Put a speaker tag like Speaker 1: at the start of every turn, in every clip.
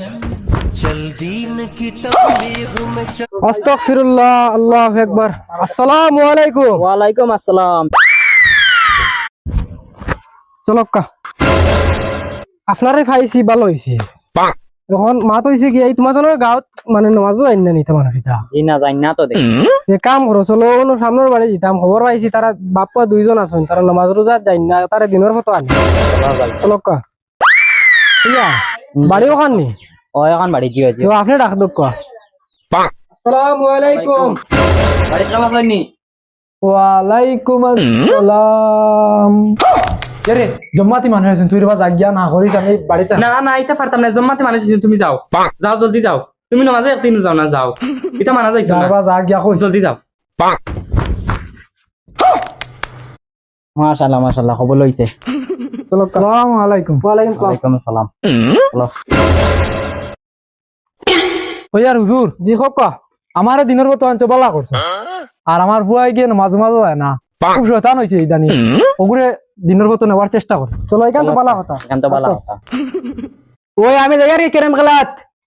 Speaker 1: चल दीन की तबलीग में चल।
Speaker 2: আস্তাগফিরুল্লাহ, আল্লাহু আকবার। আসসালামু আলাইকুম।
Speaker 3: ওয়ালাইকুম আসসালাম।
Speaker 2: চলক্কা আপনারে পাইছি ভালো হইছে। এখন মাত হইছে কি এই তোমাদের গাঁৱত মানে নামাজও আইন না নিতে মানুষ এটা
Speaker 3: জি না জানি না তো দেখি।
Speaker 2: যে কাম করো চলো কোনো সামনের বাড়ি যেতাম খবর পাইছি তারা বাপ্পা দুইজন আছেন তারা নামাজ রোজা যাই না তারা দিনের মতো আনে চলক্কা ইয়া বাড়িও খাননি
Speaker 3: ও এখন বাড়ি কি হয়েছে?
Speaker 2: তো আপনি ডাক দক্ক। আসসালামু আলাইকুম।
Speaker 3: বাড়ি নামাজ হয়নি?
Speaker 2: ওয়ালাইকুম আসসালাম।
Speaker 4: রে জম্মাতি মানুষ আছেন তুই রেবা জাগিয়া না করিস আমি বাড়িতে
Speaker 5: না না এটা পারতাম না জম্মাতে মানুষ আছেন, তুমি যাও যাও জলদি যাও, তুমি নামাজে একদিন যাও না যাও, এটা মানা যাইছে না,
Speaker 4: যাবা জাগিয়া কই
Speaker 5: জলদি যাও।
Speaker 3: মাশাআল্লাহ মাশাআল্লাহ খবর লইছে।
Speaker 4: আসসালামু আলাইকুম।
Speaker 2: ওয়ালাইকুম আসসালাম।
Speaker 3: ওয়ালাইকুম আসসালাম।
Speaker 4: ওই আর হুজুর
Speaker 2: জি খোকা
Speaker 4: আমার দিনের মতো আনতে বলা করছে আর আমার বুয়াই গিয়ে মাঝে মাঝে যায় না খুব শয়তান হয়েছে ইদানি ওগুলো দিনের মতো নেওয়ার চেষ্টা করে।
Speaker 2: চলো এখান তো ভালো কথা।
Speaker 3: এখন তো ভালো কথা।
Speaker 2: ওই আমি যাই রে কেরাম খেলাত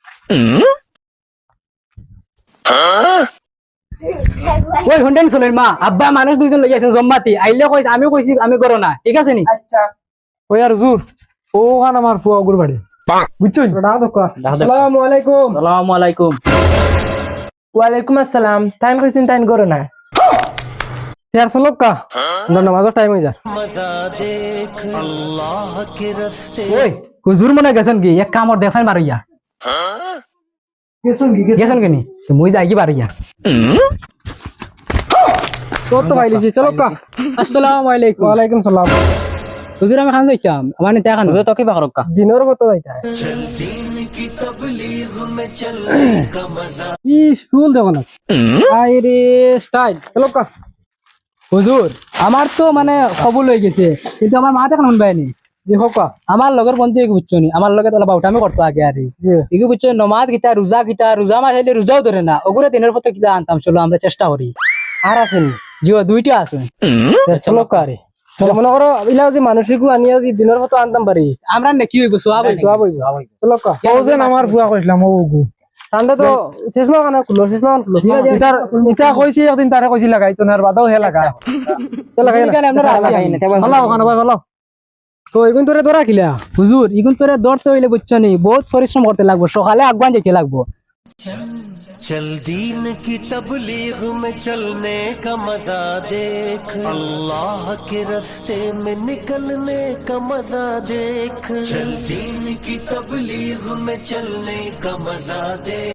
Speaker 2: ওই হুন্ডেন চলেন মা আব্বা মানুষ দুইজন লই আছেন জম্মাতি আইলে কইছে আমিও কইছি আমি করো না ঠিক আছে নি। আচ্ছা
Speaker 4: ওই আর হুজুর ওখান আমার ফুয়া ওগুর বাড়ি বুঝছেন।
Speaker 2: ডাক দক্ক। আসসালামু আলাইকুম।
Speaker 3: আসসালামু আলাইকুম।
Speaker 2: ওয়ালাইকুম আসসালাম। টাইম কইছেন টাইম করো না यार চলক্কা নামাজের টাইম হই যা।
Speaker 1: मजा देख अल्लाह के रास्ते।
Speaker 2: ওই হুজুর মনে গেছেন কি এক কামর দেখছেন বারইয়া গেছেন কি নি তো মই যাই কি বারইয়া তো তো ভাইলিছি চলক্কা। আসসালামু আলাইকুম। ওয়ালাইকুম সালাম। হুজুর আমি খান যাইতাম আমার নিতে খান
Speaker 3: হুজুর তো কি বাকরক্কা?
Speaker 2: দিনের মতো যাইতা
Speaker 1: चल दीन की तबलीग में चलने का मजा।
Speaker 2: ই চুল দেখো না আইরে স্টাইল চলক্কা। হুজুর আমার তো মানে খবর লই গেছে কিন্তু আমার মা এখন শুনবাইনি জি হোকা আমার লগের বন্ধু এক বুঝছো নি আমার লগে তাহলে বাউটামি করতো আগে আর এগুলো বুঝছো নমাজ গীতা রোজা মাস হইলে রোজাও ধরে না ওগুলো দিনের পথে কিতা আনতাম চলো আমরা চেষ্টা করি আর আসেন জিও দুইটা আসুন চলো কারে চলো মনে করো ইলা যদি মানসিকও আনিয়া যদি দিনের মতো আনতাম পারি আমরা না কি হইব সোয়াব হইব চলো কা
Speaker 4: ওজেন আমার ফুয়া কইছিলাম ও ওগু
Speaker 2: ঠান্ডা তো শেষ মাস কানা খুলো শেষ মাস খুলো
Speaker 4: ইতার ইতা কইছি একদিন তারে কইছি লাগাইতো না আর বাদাও হে লাগা
Speaker 2: লাগাই আপনারা
Speaker 3: লাগাই না, তেমন
Speaker 4: ভালো ওখানে ভাই ভালো।
Speaker 2: তো এগুন তোরে দৌড়া খিলা হুজুর এগুন তোরে দৌড়তে হইলে বুঝছো নি বহুত পরিশ্রম করতে লাগবো সকালে আগুয়ান যেতে লাগবো।
Speaker 1: चल दीन की तबलीग में चलने का मजा देख अल्लाह के रास्ते में निकलने का मजा देख। चल दीन की तबलीग में चलने का मजा देख।